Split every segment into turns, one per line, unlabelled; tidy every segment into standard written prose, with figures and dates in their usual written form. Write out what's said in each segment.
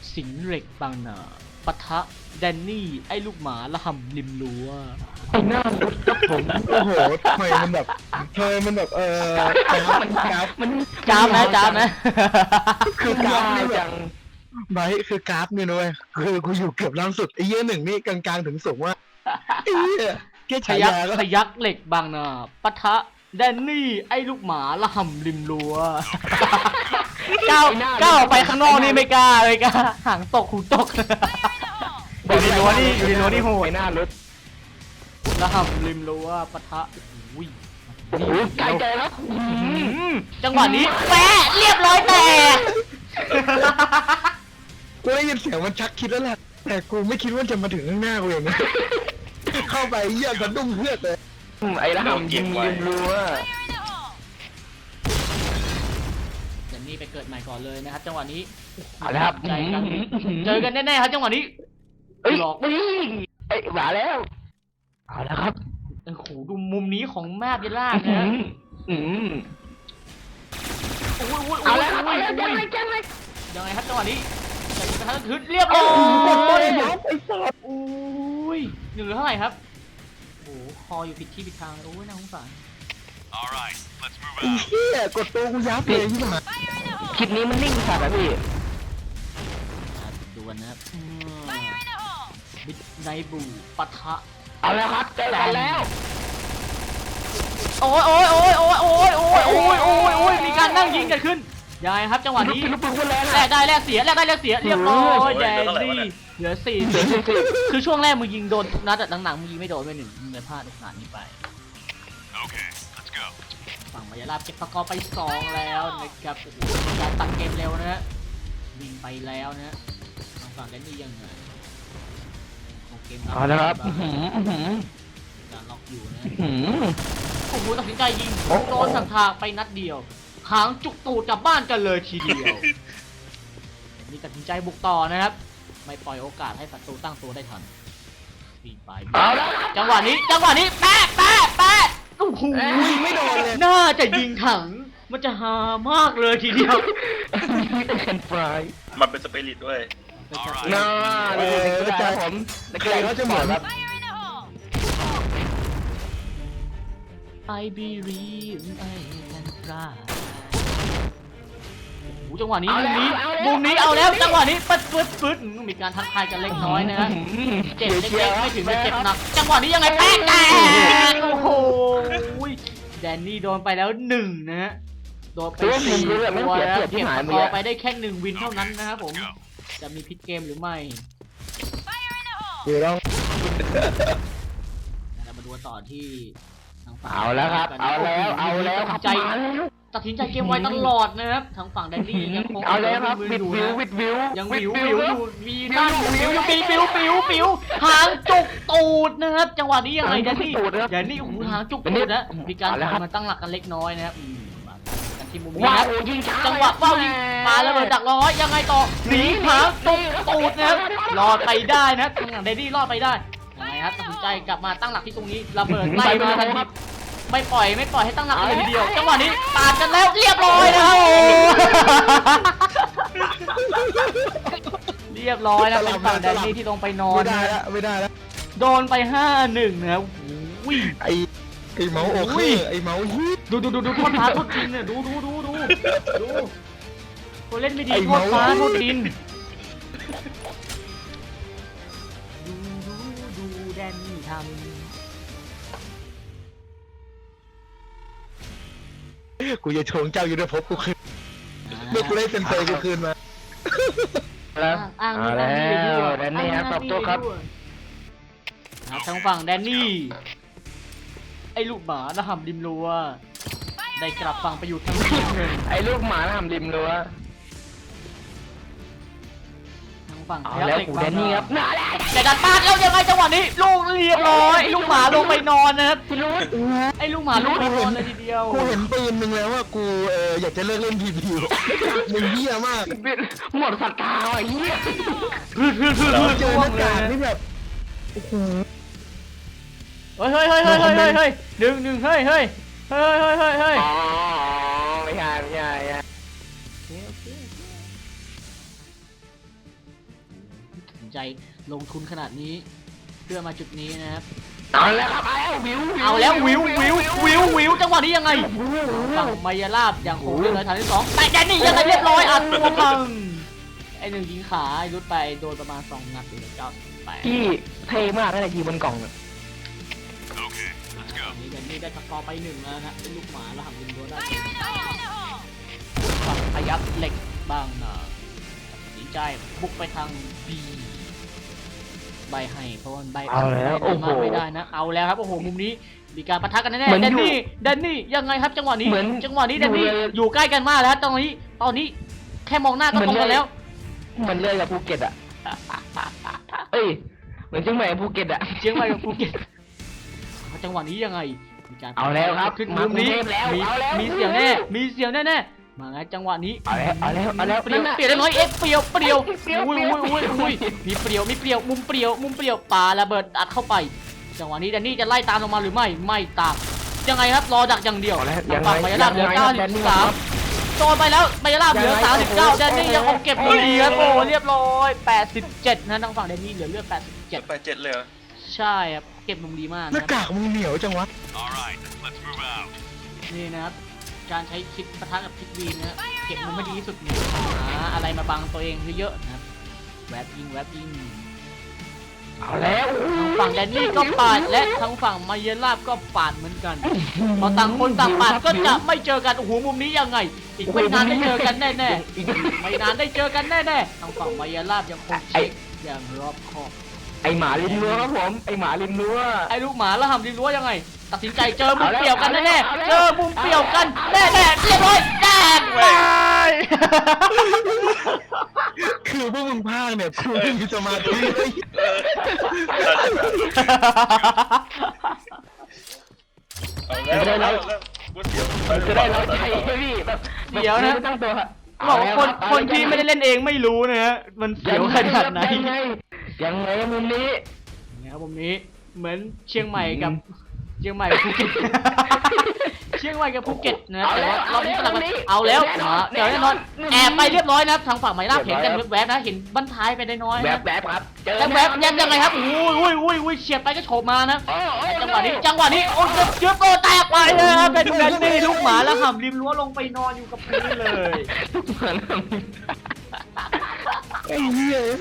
สิงห์เหล็กบางนาปะทะแดนนี่ไอ้ลูกหมาละห่ำริมรั้ว
ไอ้หน้ารุดครับผมโอ้โหทำไมมันแบบกราฟมัน
จ้ามนะจ้ามนะ
คือกราฟนี่แบบไบคือกราฟเนี่ยนะเว้ยคือกูอยู่เกือบล่างสุดไอ้เหี้ยหนึ่งนี่กลางๆถึงสูงว่าไอ้เหี้ยแค่
พ
ฉา
ยัก
ยาก็
พยักเหล็กบางนาปะทะแดนนี่ไอ้ลูกหมาละห่ำริมรั้วก้าวไปข้างนอกนี่ไม่กล้าเลยกล้าหางตกหูตกอยู่ในรั้วนี่โห
ไอ้
ด
หน้ารุด
ละห่ำริมรั้วปะทะอุ้ย
โอ้โหไกลใจแล้ว
จังหวะนี้แปะเรียบร้อยแตก
กูได้ยินเสียงมันชักคิดแล้วแหละแต่กูไม่คิดว่าจะมาถึงข้างหน้ากูอย่างนี้เข้าไปเหี้ยกระดุ้งเพื่อเลยไอ้ละหำยิงรัว
เดี๋ยวนี้ไปเกิดใหม่ก่อนเลยนะครับ จังหวะนี้
เอาละครับ
ใจกันเจอกันแน่ๆครับจังหวะนี้
เอ้ย
หลอก
ไอ้หวาแล้วเอาละครับ
โอ้โหดูมุมนี้ของแม่เบลล่านะฮะอุ้ย
เอาแล้วครับ
ยังไงครับจังหวะนี้จะกระทันทึดเรียบร้อย
กดตัวเลยครับไอ้สัส
อุ้ยหนึ่งเหลือเท่าไหร่ครับโอ้โหคออยู่ผิดที่ผิดทางโอ้ยน่าสงสาร
Alright, let's move
ไอ้
out.
เหี้ยกดตัวกูยับเลยที่มาคลิปนี้มันนิ่งสัตว์อะพี่
ดวนนะครับมิดไนบูปะทะ
เอาแล้วครับเจอกันแล้ว
โอ้ยมีการนั่งยิงกันขึ้นยังไงครับจังหวะนี้แลกได้แลกเสียเรียบร้อยแดนนี่เหลือสี่คือช่วงแรกมึงยิงโดนทุกนัดแต่หลังๆมึงยิงไม่โดนไปหนึ่งมึงเลยพลาดโอกาสนี้ไป
Okay, let's go.
ฝั่งมายาลาบเก็บสกอร์ไป2แล้วนะครับโอ้โหการตัดเกมเร็วนะฮะยิงไปแล้วนะฮะทางฝั่งแดนนี่ยังไงของเกม
เอาแล้วครับ
การล็อกอยู่นะโอ้โหตัดสินใจยิงโดนสังทางไปนัดเดียวหางจุกตูดกลับบ้านกันเลยทีเดียวนี่ตัดสินใจบุกต่อนะครับไม่ปล่อยโอกาสให้ศัตรูตั้งตัวได้ทันปีไปจังหวะนี้แป๊ะโอ้โห
ไม่โดนเลย
น่าจะยิงถังมันจะหามากเลยทีเดียว
มีแต่แคนฟราย
มันเป็นสปิริตด้วย
น่าเลยใจผมแต่เกย์เขาจะเหมือนแบบ
I believe I can fly โอ้โหจังหวะนี้มุมนี้เอาแล้วจังหวะนี้ปึ๊ดมีการทักทายกันเล็กน้อยนะฮะเจ็บเล็กๆไม่ถึงจะเจ็บหนักจังหวะนี้ยังไงแป๊กโอ้โหแดนนี่โดนไปแล้ว1นะฮะโดนไป4ตัวแล้วเก็บสกอร์ไปได้แค่1วินเท่านั้นนะครับผมจะมีพลิกเกมหรือไม่
อยู่ต้อง
เรามาดูต่อที่ทางฝั่ง
เอาแล้วครับเอาแล้วครับ
ตัดสินใจเกมไวตลอดนะครับทางฝั่งแดนนี่ยังคง
เอาแล้วครับ
วิ
วิดวิว
ยังวิวอยู่มีด้านปิวหางจุกตูดนะครับจังหวะนี้ยังไงแดนนี่โอ้โหหางจุกตูดนะมีการถอยมาตั้งหลักกันเล็กน้อยนะครับกันที่มุมนี้ครับจังหวะว่าวยิงปาระเบิดดักร้อยยังไงต่อหนีหางจุกตูดนะครับรอดไปได้นะทางฝั่งแดนนี่รอดไปได้ยังไงครับตัดสินใจกลับมาตั้งหลักที่ตรงนี้ระเบิดไล่มาทันทีไม่ปล่อยให้ตั้งหลักเลยทีเดียวจังหวะนี้ปาดกันแล้วเรียบร้อยนะครับเรียบร้อยนะเป็นฝั่งแดนนี่ที่ลงไปนอน
ไม่ได้แล้ว
โดนไป5-1นะครับอุ้ย
ไอ้เมาส์โอเคไอ้เมาส์ฮีท
ดูโทษฟ้าโทษดินเนี่ยดูคนเล่นไม่ดีโทษฟ้าโทษดินดูแดนนี่ทำ
กูจะโชงเจ้ายุทธภพกูคืนเมื่อกูได้เซนเซกูคืนมาแล้ว
อ้าง
แล้วแดนนี่ครับตอบโต้ครับ
ทางฝั่งแดนนี่ไอ้ลูกหมาระห่ำริมรั้วได้กลับฝั่งไปอยู่ทางทีมหนึ่ง
ไอ้ลูกหมาทำริมรั้ว
ทางฝั่ง
เอาแล้วกูแดนนี่ครับน่าแหละ
แต่ดันปาดแล้วยังไงจังหวะนี้ลูกเรียบร้อยไอ้ลูกหมาลงไปนอนนะครับไอ้ลูกหมาลงไปนอนเลยทีเดียว
กูเห็นปืนมึงแล้วว่ากูอยากจะเลิกเล่นพีพีมึงเหี้ยมากหมดศรัทธาไอ้เหี้ย เราเจอหน้ากากนี่แบบโอ้โห
เฮ้ยหนึ่งเฮ้ยอ๋อไม่ใช่ใจลงทุนขนาดนี้เพื่อมาจุดนี้นะครับ
เอาแล้วครับเอาแล้ววิว
วิวจังหวะนี้ยังไงฝั่งมายาลาบยังคงเล่นเลยฐานที่สองแต่แดนนี่ยังไงเรียบร้อยอัดตัวพังไอ้หนึ่งยิงขาไอ้รุดไปโดนประมาณ2 นัดเลย98
ที่เท่มากนั่นแหละยิงบนกล่อง
Okay, let's go.
นี่แดนนี่ได้สกอร์ไป1แล้วนะเป็นลูกหมาแล้วหักยิงโดนได้ฝั่งพยับเหล็กบางนาตัดสินใจบุกไปทาง B ใบให้เพราะว่าใบ
เอาแล้วโอ้โห
ไม่ได้นะเอาแล้วครับโอ้โหมุมนี้มีการปะทะกันแน่
เหมือน
ๆแดน
อยู่
นี่ยังไงครับจังหวะนี้
เหมือน
จังหวะนี้แดนนี่
อยู่เลย
อยู่ใกล้กันมากแล้วตอนนี้แค่มองหน้าก็
เหมื
ต
อ
ร
น
งกัน
เลย
แล้ว
เหมือนเลยกับภูเก็ตอ่ะเอ้ยเหมือนเชียงใหม่กับภูเก็ตอ่ะ
เชียงใหม่กับภูเก็ตจังหวะนี้ยังไงมีการ
เอาแล้วครับ
ขึ้น
มา
มุมนี้
กรุงเทพแล้ว
มี
เอาแล้ว
มีเสียงแน่มีเสียงแน่มาไงจังหวะนี้
เอาแล้ว
เปรี้ยว
นั่นน่ะ
เปรี้ยวได้น้อยเอฟเปรี้ยวอุ้ย
อุ้ย
มีเปรี้ยวมุมเปรี้ยวปาระเบิดอัดเข้าไปจังหวะนี้แดนนี่จะไล่ตามลงมาหรือไม่ตามยังไงครับรอดักอย่างเดียว
เอาแล้ว
ฝั่งมายาลาบเหลือ
ยังไงครับ
93โดนไปแล้วมายาลาบเหลือ
ยังไง
39แดนนี่
โอ้โห
ยังคงเก็บอยู่ดีครับโอ้เรียบร้อย87นะทางฝั่งแดนนี่เหลือเลือด
ไปเจ็ดเลยเหรอ
87ใช่ครับเก็บมุมดีมาก
หน้า
นะ
กากมึงเหนียวจังวะ
All right, let's move out.
นี่นะครับการใช้คิดปะทะกับคิดวีนนะเก็บมุมไม่ดีที่สุดเนี่ยหาอะไรมาบังตัวเองเยอะๆนะครับแวบยิง
เอาแล้ว
ทางฝั่งแดนนี่ก็ปาดและทางฝั่งมายาลาบก็ปาดเหมือนกันพอต่างคนต่างปาดก็จะไม่เจอกันโอ้โหมุมนี้ยังไง อีกไม่นานได้เจอกันแน่ๆไม่นานได้เจอกันแน่ๆทางฝั่งมายาลาบยังคงเช็คอย่างรอบคอบ
ไอหมาริมรั้วครับผมไอหมาริมรั้ว
ไอ้ลูกหมาแล้วทำดีรู้ว่ายังไง ตัดสินใจเจอมุม
เอาแล้ว
เปรี่ยวกันแน่
เอาแล้ว
ๆเจอมุมเปรี่ยวกันแน่ๆเรียบร้อยแดกไป
คือพวกมึงพากเนี่ยกูไม่มีสมาธิเลย
เอาแล้วพูดเสียว
จะได้เราใจไหมพี่แบบ
เดี๋ยวนะ
ไม่ตั้งตัวฮะ
บอกว่าคนที่ไม่ได้เล่นเองไม่รู้นะฮะมันเสียวขนาดไหน
ยังไงมุมนี้
นะครับมุมนี้เหมือนเชียงใหม่กับภูเก็ต เชียงใหม่กับภูเก็ตนะแต่ว่ารอบนี้สลับกันเอาแล้วมาเดี๋ยวแน่นอนแอบไปเรียบร้อยนะครับทางฝั่งไมล่าเห็นกันแวบๆนะเห็นบั้นท้ายไปได้น้อย
แบ
นะ
บแบบครับเจอ
แล้วแวบยังไงครับอุ้ยเฉียดไปก็โฉบมานะ จังหวะนี้โอ้ยเชื้อโปรแตกไปเลยครับเป็นแดนนี่ลูกหมาแล้วห่ำริมรั้วลงไปนอนอยู่กับพื้นเลย
ไอ้เหี้ย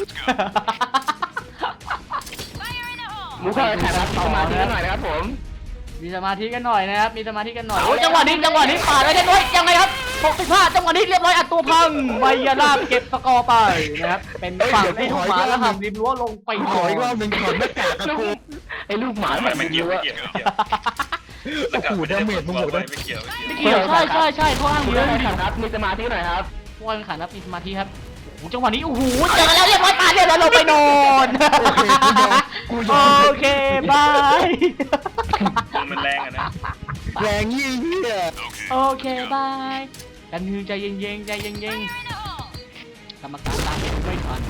มุกเข้าถ่ายรับสมาธิกันหน่อยนะครับผม
มีสมาธิกันหน่อยนะครับมีสมาธิกันหน่อยโอ้ยจังหวะนี้ปาดไว้ได้ด้วยยังไงครับ65จังหวะนี้เรียบร้อยอัดตัวพังไมยาลาบเก็บสกอร์ไปนะครับเป็นฝั่งที่ลูกหมาแล้วห่ำริมรั้วลงไปน
ข
อ
อน อีกรอบหนึ่งถอดหน้ากากกับกูไอ้ลูกหมา
ไม่เกี่ยว
โอ้โหดาเมจมึงโหดนะ
ไม่เกี่ยว
ไม่เกี่ยวใช่เพราะอ้าง
มี
เยอะ
อะไร
จริง
ครับมีสมาธิหน่อยครับ
ๆว่าเป็นขานับมีสมาธิครับโอ้โหจังหวะนี้โอ้โหเจอกันแล้วเรียบร้อยปาดเรียบร้อยลงไปนอน โอเคบาย
มันแรงอ่ะนะ
แรงยี่เหี้ย
โอเคบายกันนึงใจเย็นกรรมการตามไปดูไม่ทัน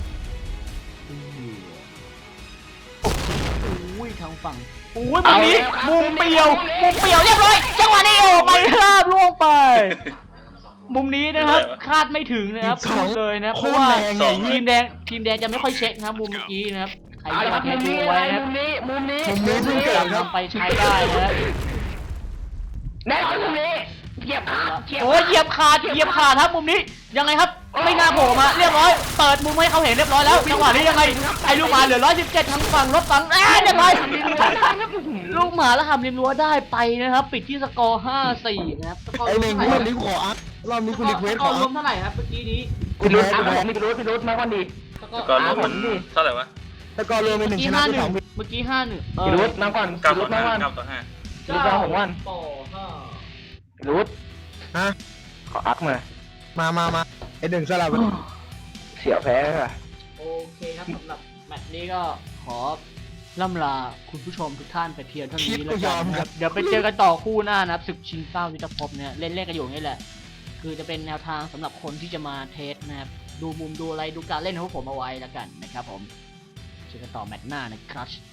โอ้ยทางฝั่งโอ้ยมุมนี้มุมเปรียวเรียบร้อยจังหวะนี้โอ้ไปราบล่วงไป มุมนี้นะครับคาดไม่ถึงนะครับพูดเลยนะเพราะว่าทีมแดงจะไม่ค่อยเช็คนะครับมุมเมื่อกี้นะครับใครที่มาแทนดูไว้นะครับ
มุมนี้
เพิ่งนำไปใช้ได้นะ
แน่มุมนี้เหยียบ
โอ้ยเหยียบขาดครับมุมนี้ยังไงครับไม่น่าโผล่มาเรียบร้อยเปิดมุมให้เขาเห็นเรียบร้อยแล้วจังหวะนี้ยังไงไอ้ลูกหมาเหลือ117ทางฝั่งรถฝั่งเรียบร้อยลูกหมาแล้วทำริมรั้วได้ไปนะครับปิดที่สกอร์5-4นะครับสกอร์
ไอ้เน่งกูรีบขออัพรอบนี้กูรีเควสขอ
ร
อั
ว
พ
มเท่าไหร่ครับเมื่อกี้นี้
กูรู้พี่รู้มาก่อนดี
ก็รวมมันเท่าไหร่วะ
แล้วก็รวมเป็นหนึ่งชนะสอง
เมื่อกี้5-1
พี่รู้มาก่อน
9
รู้
ต่อ
มาก่อน
5 9 ต่อ 5
รู้มาของวัน
ต่อ
รู้ฮะขออัพมาไอ้หนึ่งสลับเสียแพ้ค่ะ
5โอเคครับสำหรับแมตช์นี้ก็ขอล่ำลาคุณผู้ชมทุกท่านไปเพียงเท่านี้แล้วกันนะครับเดี๋ยวไปเจอกันต่อคู่หน้านะครับศึกชิงเป้ายุทธภพเนี่ยเล่นกันอยู่นี่แหละคือจะเป็นแนวทางสำหรับคนที่จะมาเทสนะครับดูมุมดูอะไรดูการเล่นของผมเอาไว้แล้วกันนะครับผมเจอกันต่อแมตช์หน้านะครับ